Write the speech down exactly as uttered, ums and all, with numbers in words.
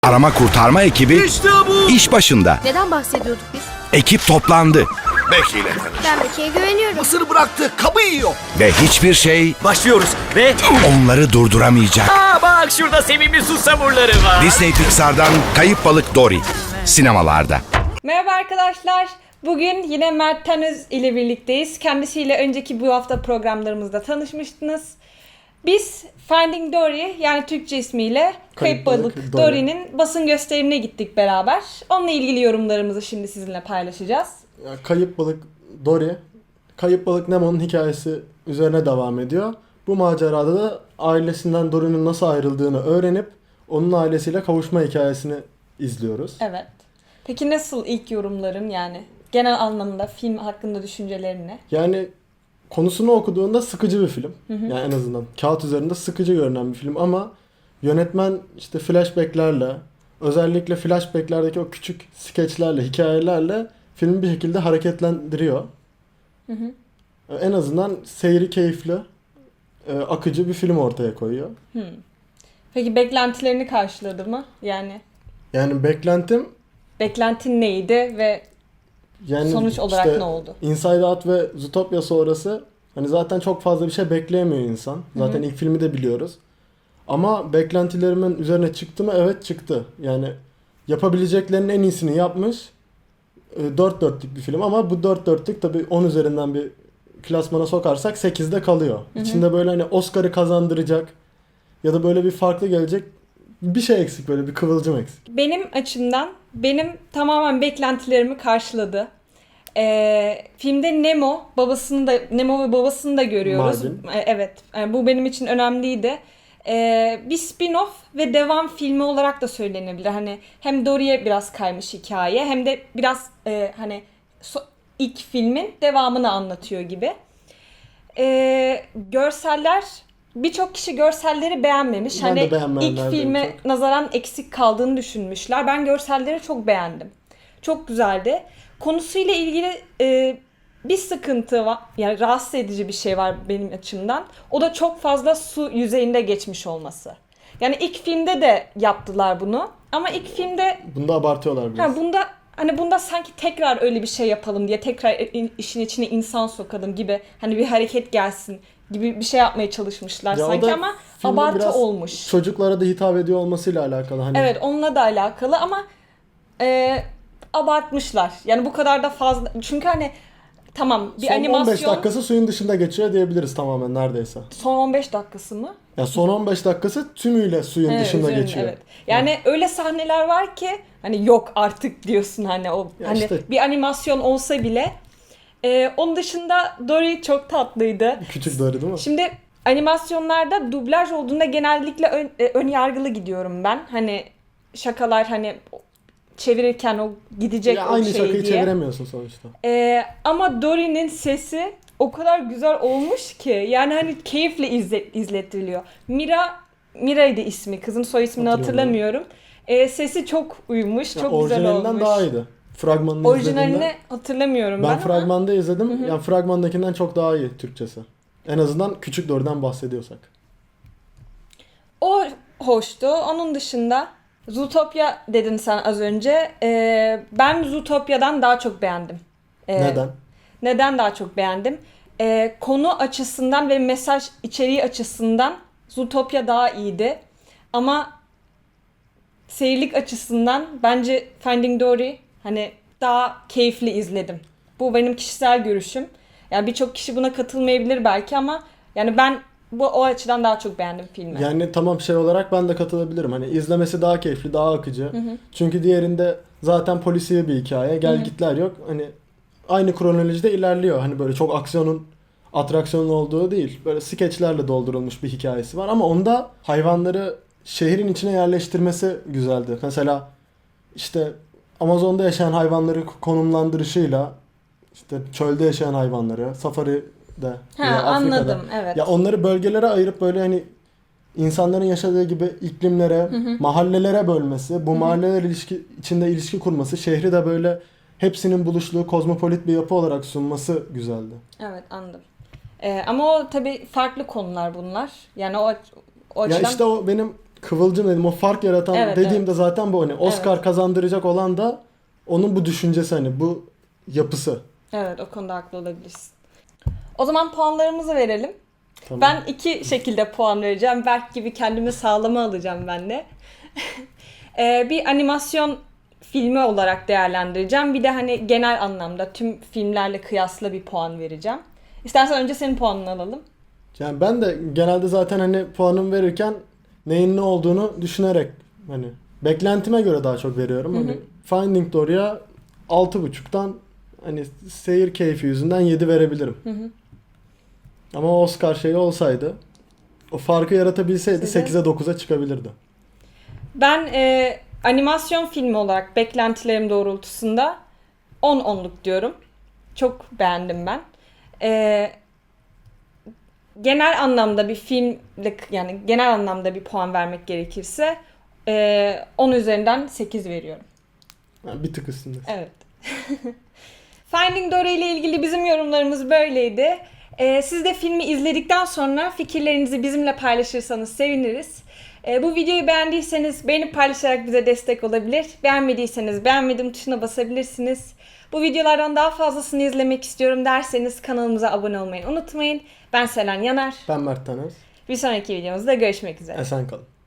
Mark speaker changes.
Speaker 1: Arama kurtarma ekibi
Speaker 2: İşte bu.
Speaker 1: iş başında.
Speaker 3: Neden bahsediyorduk biz?
Speaker 1: Ekip toplandı
Speaker 2: Becky ile tanış.
Speaker 3: Ben Becky'ye güveniyorum.
Speaker 2: Mısır bıraktı, kabı yiyor.
Speaker 1: ve hiçbir şey
Speaker 4: Başlıyoruz ve...
Speaker 1: onları durduramayacak.
Speaker 4: Aa bak şurada sevimli susamurları var.
Speaker 1: Disney Pixar'dan Kayıp Balık Dory sinemalarda.
Speaker 5: Merhaba arkadaşlar. Bugün yine Mert Tanöz ile birlikteyiz. Kendisiyle önceki bu hafta programlarımızda tanışmıştınız. Biz Finding Dory, yani Türkçe ismiyle Kayıp Balık
Speaker 6: Dory.
Speaker 5: Dory'nin basın gösterimine gittik beraber. Onunla ilgili yorumlarımızı şimdi sizinle paylaşacağız.
Speaker 6: Ya, Kayıp Balık Dory, Kayıp Balık Nemo'nun hikayesi üzerine devam ediyor. Bu macerada da ailesinden Dory'nin nasıl ayrıldığını öğrenip onun ailesiyle kavuşma hikayesini izliyoruz.
Speaker 5: Evet. Peki nasıl ilk yorumların, yani genel anlamda film hakkında düşüncelerin ne?
Speaker 6: Yani konusunu okuduğunda sıkıcı bir film. Yani en azından kağıt üzerinde sıkıcı görünen bir film ama yönetmen işte flashbacklerle, özellikle flashbacklerdeki o küçük skeçlerle, hikayelerle filmi bir şekilde hareketlendiriyor.
Speaker 5: Hı hı.
Speaker 6: En azından seyri keyifli, e, akıcı bir film ortaya koyuyor.
Speaker 5: Hmm. Peki beklentilerini karşıladı mı? Yani
Speaker 6: Yani beklentim
Speaker 5: beklentin neydi ve
Speaker 6: yani
Speaker 5: sonuç olarak
Speaker 6: işte
Speaker 5: ne oldu?
Speaker 6: Inside Out ve Zootopia sonrası hani zaten çok fazla bir şey bekleyemiyor insan. Zaten ilk filmi de biliyoruz. Ama beklentilerimin üzerine çıktı mı? Evet çıktı. Yani yapabileceklerinin en iyisini yapmış. E, dört dörtlük bir film ama bu dört dörtlük tabii on üzerinden bir klasmana sokarsak sekizde kalıyor. İçinde böyle hani Oscar'ı kazandıracak ya da böyle bir farklı gelecek bir şey eksik, böyle bir kıvılcım eksik.
Speaker 5: Benim açımdan benim tamamen beklentilerimi karşıladı. Ee, filmde Nemo babasını da Nemo ve babasını da görüyoruz.
Speaker 6: Marvin.
Speaker 5: Ee, Evet, yani bu benim için önemliydi. Ee, bir spin-off ve devam filmi olarak da söylenebilir. Hani hem Dory'e biraz kaymış hikaye, hem de biraz e, hani so- ilk filmin devamını anlatıyor gibi. Ee, görseller, birçok kişi görselleri beğenmemiş.
Speaker 6: Ben
Speaker 5: hani
Speaker 6: de beğenmeyenlerdenim
Speaker 5: ilk filme
Speaker 6: çok.
Speaker 5: nazaran eksik kaldığını düşünmüşler. Ben görselleri çok beğendim. Çok güzeldi. Konusuyla ilgili e, bir sıkıntı var. Yani rahatsız edici bir şey var benim açımdan. O da çok fazla su yüzeyinde geçmiş olması. Yani ilk filmde de yaptılar bunu. Ama ilk filmde
Speaker 6: Bunda abartıyorlar biraz.
Speaker 5: ha, bunda hani bunda sanki tekrar öyle bir şey yapalım diye, tekrar in- işin içine insan sokalım gibi, hani bir hareket gelsin gibi bir şey yapmaya çalışmışlar
Speaker 6: Ya o
Speaker 5: sanki,
Speaker 6: da
Speaker 5: ama
Speaker 6: filmin
Speaker 5: abartı
Speaker 6: biraz
Speaker 5: olmuş.
Speaker 6: Çocuklara da hitap ediyor olmasıyla alakalı. Hani
Speaker 5: Evet, onunla da alakalı ama e, abartmışlar. Yani bu kadar da fazla. Çünkü hani tamam, bir
Speaker 6: son
Speaker 5: animasyon.
Speaker 6: on beş dakikası suyun dışında geçiyor diyebiliriz tamamen neredeyse.
Speaker 5: Son on beş dakikası mı?
Speaker 6: Ya son on beş dakikası tümüyle suyun
Speaker 5: Evet,
Speaker 6: dışında
Speaker 5: üzerine,
Speaker 6: geçiyor.
Speaker 5: evet. Yani öyle sahneler var ki hani yok artık diyorsun, hani o
Speaker 6: Ya
Speaker 5: hani
Speaker 6: işte.
Speaker 5: bir animasyon olsa bile. E, onun dışında Dory çok tatlıydı.
Speaker 6: Küçük Dory değil mi?
Speaker 5: Şimdi animasyonlarda dublaj olduğunda genellikle ön, e, ön yargılı gidiyorum ben. Hani şakalar, hani çevirirken o gidecek
Speaker 6: Ya
Speaker 5: o
Speaker 6: aynı
Speaker 5: şey
Speaker 6: şakayı
Speaker 5: diye.
Speaker 6: çeviremiyorsun sonuçta.
Speaker 5: Ee, ama Dory'nin sesi o kadar güzel olmuş ki, yani hani keyifle izle, izlettiriliyor. Mira, Mira'ydı ismi, kızın soy ismini hatırlamıyorum. Ee, sesi çok uyumuş,
Speaker 6: Ya
Speaker 5: çok güzel
Speaker 6: orijinalinden
Speaker 5: olmuş.
Speaker 6: daha iyiydi. Fragmanını
Speaker 5: Orijinalini
Speaker 6: izlediğimde
Speaker 5: hatırlamıyorum ben,
Speaker 6: ben
Speaker 5: ama
Speaker 6: fragmanda izledim. Yani fragmandakinden çok daha iyi Türkçesi. En azından Küçük Dory'den bahsediyorsak.
Speaker 5: o hoştu. Onun dışında Zootopia dedin sen az önce. Ee, ben Zootopia'dan daha çok beğendim. Ee,
Speaker 6: Neden?
Speaker 5: Neden daha çok beğendim? Ee, konu açısından ve mesaj içeriği açısından Zootopia daha iyiydi. Ama seyirlik açısından bence Finding Dory hani daha keyifli izledim. Bu benim kişisel görüşüm. Yani birçok kişi buna katılmayabilir belki, ama yani ben bu o açıdan daha çok beğendim filmi.
Speaker 6: Yani tamam, şey olarak ben de katılabilirim. Hani izlemesi daha keyifli, daha akıcı. Çünkü diğerinde zaten polisiye bir hikaye. Gel gitler yok. Hani aynı kronolojide ilerliyor. Hani böyle çok aksiyonun, atraksiyonun olduğu değil. Böyle skeçlerle doldurulmuş bir hikayesi var. Ama onda hayvanları şehrin içine yerleştirmesi güzeldi. Mesela işte Amazon'da yaşayan hayvanları konumlandırışıyla işte çölde yaşayan hayvanları, safari'de
Speaker 5: Ha,
Speaker 6: veya Afrika'da.
Speaker 5: anladım, evet.
Speaker 6: Ya onları bölgelere ayırıp böyle hani insanların yaşadığı gibi iklimlere, mahallelere bölmesi, bu mahalleler ilişki içinde ilişki kurması, şehri de böyle hepsinin buluştuğu kozmopolit bir yapı olarak sunması güzeldi.
Speaker 5: Evet, anladım. Ee, ama o tabii farklı konular bunlar. Yani o, o
Speaker 6: Ya
Speaker 5: açıdan
Speaker 6: işte o benim kıvılcım dedim, o fark yaratan
Speaker 5: Evet,
Speaker 6: dediğimde zaten bu, hani Oscar
Speaker 5: Evet.
Speaker 6: kazandıracak olan da onun bu düşüncesi, hani bu yapısı.
Speaker 5: Evet, o konuda haklı olabilirsin. O zaman puanlarımızı verelim.
Speaker 6: Tamam.
Speaker 5: Ben iki şekilde puan vereceğim. Berk gibi kendimi sağlama alacağım ben de. Ee, bir animasyon filmi olarak değerlendireceğim. Bir de hani genel anlamda tüm filmlerle kıyasla bir puan vereceğim. İstersen önce senin puanını alalım.
Speaker 6: Yani ben de genelde zaten hani puanımı verirken neyin ne olduğunu düşünerek, hani beklentime göre daha çok veriyorum. Hani Finding Dory'a altı buçuktan hani seyir keyfi yüzünden yedi verebilirim.
Speaker 5: Hı hı.
Speaker 6: Ama Oscar şeyi olsaydı, o farkı yaratabilseydi
Speaker 5: Size-
Speaker 6: sekize dokuza çıkabilirdi.
Speaker 5: Ben e, animasyon filmi olarak beklentilerim doğrultusunda on onluk diyorum. Çok beğendim ben. E, genel anlamda bir filmle, yani genel anlamda bir puan vermek gerekirse e, on üzerinden sekiz veriyorum.
Speaker 6: Yani bir tık üstünde.
Speaker 5: Evet. Finding Dory ile ilgili bizim yorumlarımız böyleydi. Ee, siz de filmi izledikten sonra fikirlerinizi bizimle paylaşırsanız seviniriz. Ee, bu videoyu beğendiyseniz beğenip paylaşarak bize destek olabilir. Beğenmediyseniz beğenmedim tuşuna basabilirsiniz. Bu videolardan daha fazlasını izlemek istiyorum derseniz kanalımıza abone olmayı unutmayın. Ben Selen Yanar.
Speaker 6: Ben Mert Tanöz.
Speaker 5: Bir sonraki videomuzda görüşmek üzere.
Speaker 6: Esen kalın.